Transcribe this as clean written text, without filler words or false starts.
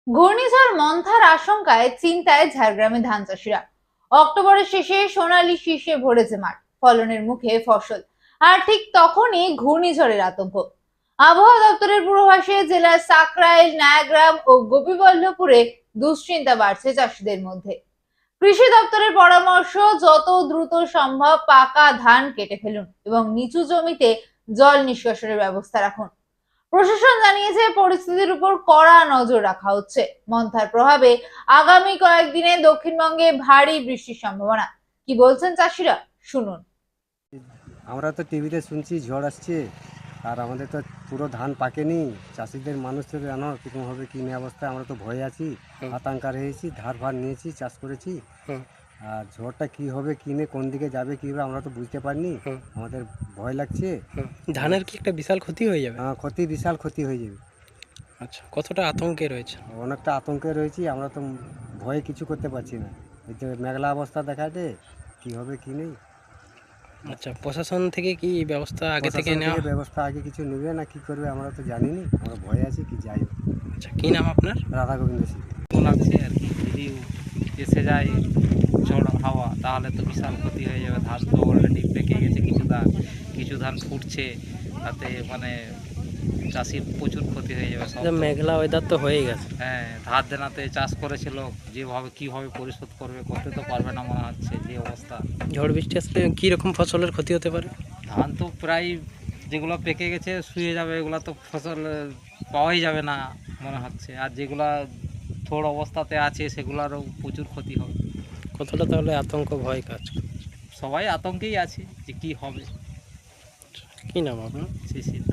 ঘূর্ণিঝড় মন্থার আশঙ্কায় চিন্তায় ঝাড়গ্রামে ধান চাষিরা। অক্টোবরের শেষে সোনালী শীষে ভরেছে মাঠ, ফলনের মুখে ফসল। আর ঠিক তখনই ঘূর্ণিঝড়ের আতঙ্ক। আবহাওয়া দপ্তরের পূর্বাভাসে জেলার সাকরাইল, নায়াগ্রাম ও গোপীবল্লভপুরে দুশ্চিন্তা বাড়ছে চাষিদের মধ্যে। কৃষি দপ্তরের পরামর্শ, যত দ্রুত সম্ভব পাকা ধান কেটে ফেলুন এবং নিচু জমিতে জল নিষ্কাশনের ব্যবস্থা রাখুন। প্রশাসন জানিয়েছে পরিস্থিতির উপর কড়া নজর রাখা হচ্ছে। মন্থার প্রভাবে আগামী কয়েকদিনে দক্ষিণবঙ্গে ভারী বৃষ্টির সম্ভাবনা। কি বলছেন চাষিরা, শুনুন। আমরা তো টিভিতে শুনছি ঝড় আসছে, আর আমাদের তো পুরো ধান পাকেনি। চাষিদের মানুষের জানো কীরকম হবে কী নিয়ে অবস্থা, আমরা তো ভয়ে আছি, আতঙ্কা রয়েছি, ধার ভার নিয়েছি, চাষ করেছি। আর ঝড়টা কী হবে কী নিয়ে কোন দিকে যাবে কী হবে আমরা তো বুঝতে পারিনি। আমাদের ভয় লাগছে। ধানের কি একটা বিশাল ক্ষতি হয়ে যাবে? ক্ষতি, বিশাল ক্ষতি হয়ে যাবে। আচ্ছা, কতটা আতঙ্কে রয়েছে? অনেকটা আতঙ্কে রয়েছি, আমরা তো ভয়ে কিছু করতে পারছি না। এই যে মেঘলা অবস্থা দেখাতে কী হবে কী নেই। আচ্ছা, প্রশাসন থেকে কি ব্যবস্থা আগে থেকে নেওয়া? ব্যবস্থা আগে কিছু নেবে না কি করবে আমরা তো জানিনি, আমরা ভয়ে আছি কি যাই হোক। আচ্ছা, কি নাম আপনার? রাধা গোবিন্দ সিং। লাগছে আর কি। যদি এসে যায় ঝড় হাওয়া তাহলে তো বিশাল ক্ষতি হয়ে যাবে। ধান তো অলরেডি পেকে গেছে, কিছু ধান ফুটছে, তাতে মানে চাষির প্রচুর ক্ষতি হয়ে যাবে সব। মেঘলা ওয়েদার তো হয়ে গেছে। হ্যাঁ, ধার দেনাতে চাষ করেছিল, যেভাবে কিভাবে পরিশোধ করতে তো পারবে না মনে হচ্ছে, যে অবস্থা। ঝড় বৃষ্টি আসলে কি রকম ফসলের ক্ষতি হতে পারে? ধান তো প্রায় যেগুলো পেকে গেছে শুয়ে যাবে, এগুলো তো ফসল পাওয়াই যাবে না মনে হচ্ছে। আর যেগুলা থোড় অবস্থাতে আছে সেগুলোরও প্রচুর ক্ষতি হবে। কতটা তাহলে আতঙ্ক ভয় কাজ করে? সবাই আতঙ্কেই আছে যে কি হবে। কি নাম আপনার? শিশির।